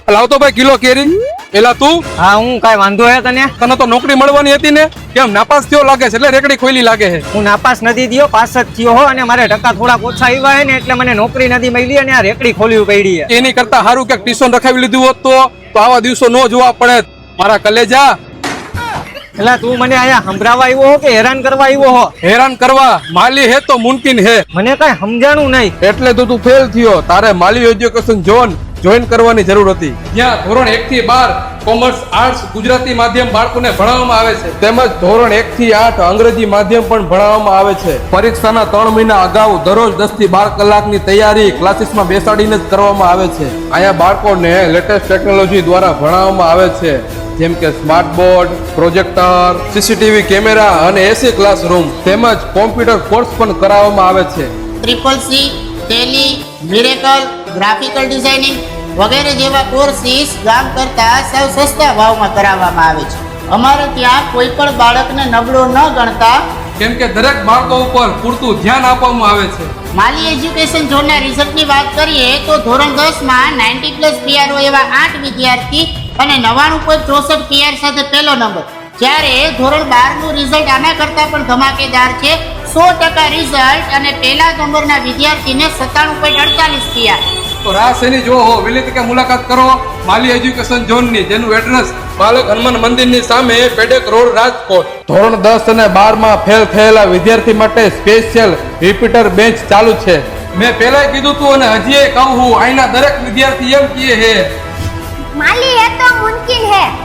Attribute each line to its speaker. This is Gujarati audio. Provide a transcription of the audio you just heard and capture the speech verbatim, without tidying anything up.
Speaker 1: લાવતો ભાઈ કિલો કેરી. એલા તું
Speaker 2: હા હું કઈ વાંધો હે તને?
Speaker 1: તને તો નોકરી મળવાની હતી ને, કેમ નાપાસ થયો લાગે છે? એટલે રેકડી ખોલી લાગે છે.
Speaker 2: હું નાપાસ નથી થયો, પાસ જ થયો હો, અને મારે ટકા થોડાક ઓછા આવ્યા હે ને એટલે મને નોકરી નથી મળી અને આ રેકડી ખોલવી પડી છે.
Speaker 1: એની કરતા સારું કે ટ્યુશન રખાવી લીધું હોત તો તો આવા દિવસો ન જોવા પડે. મારા કલેજા,
Speaker 2: એટલે તું મને અહીંયા સંભળાવા આવ્યો હો કે હેરાન કરવા આવ્યો હો?
Speaker 1: હેરાન કરવા માલી હે તો મુમકિન હે.
Speaker 2: મને કઈ સમજાણું નહીં.
Speaker 1: એટલે તો તું ફેલ થયો. તારે માલી એજ્યુકેશન ઝોન જોઈન કરવાની જરૂર હતી. જ્યાં ધોરણ એક થી બાર કોમર્સ, આર્ટ્સ, ગુજરાતી માધ્યમ બાળકોને ભણાવવામાં આવે છે, તેમજ ધોરણ એક થી આઠ અંગ્રેજી માધ્યમ પણ ભણાવવામાં આવે છે. પરીક્ષાના ત્રણ મહિના અગાઉ દરરોજ દસ થી બાર કલાકની તૈયારી ક્લાસીસમાં બેસાડીને જ કરવામાં આવે છે. અહીંયા બાળકોને લેટેસ્ટ ટેકનોલોજી દ્વારા ભણાવવામાં આવે છે, જેમ કે smart board, projector, CCTV camera અને એસી ક્લાસરૂમ, તેમજ કોમ્પ્યુટર કોર્સ પણ કરાવવામાં આવે છે.
Speaker 3: Triple C, Tally, miracle, graphical designing વગેરે જેવા કોર્સીસ ગામ કરતા સાવ સસ્તા ભાવમાં કરાવવામાં આવે છે. અમારે ત્યાં કોઈ પણ બાળકને નબળો ન ગણતા,
Speaker 1: કેમ કે દરેક બાળકો ઉપર પૂરતું ધ્યાન આપવામાં આવે છે.
Speaker 3: માલી એજ્યુકેશન ઝોનના રિઝલ્ટની વાત કરીએ તો ધોરણ દસ માં નાઇન્ટી પ્લસ પીઆરઓ એવા આઠ વિદ્યાર્થી અને નવ્વાણું પોઈન્ટ ચોસઠ પીઆર સાથે પહેલો નંબર. જ્યારે ધોરણ બાર નું રિઝલ્ટ આના કરતા પણ ધમાકેદાર છે. સો ટકા રિઝલ્ટ અને પહેલા નંબરના વિદ્યાર્થીને સત્તાણું પોઈન્ટ અડતાલીસ પીઆર.
Speaker 1: તો રાહ શેની જો હો, વહેલી તકે મુલાકાત કરો માલી એજ્યુકેશન ઝોનની, જેનું એડ્રેસ બાલક હનુમાન મંદિરની સામે, પેડેક રોડ, રાજકોટ. ધોરણ દસ અને બાર માં ફેલ થયેલા વિદ્યાર્થી માટે સ્પેશિયલ રિપીટર બેન્ચ ચાલુ છે. મેં પહેલા કીધું તું અને હજી કહું હું, અહીંના દરેક વિદ્યાર્થી એમ કહે છે
Speaker 4: माली है तो मुमकिन है।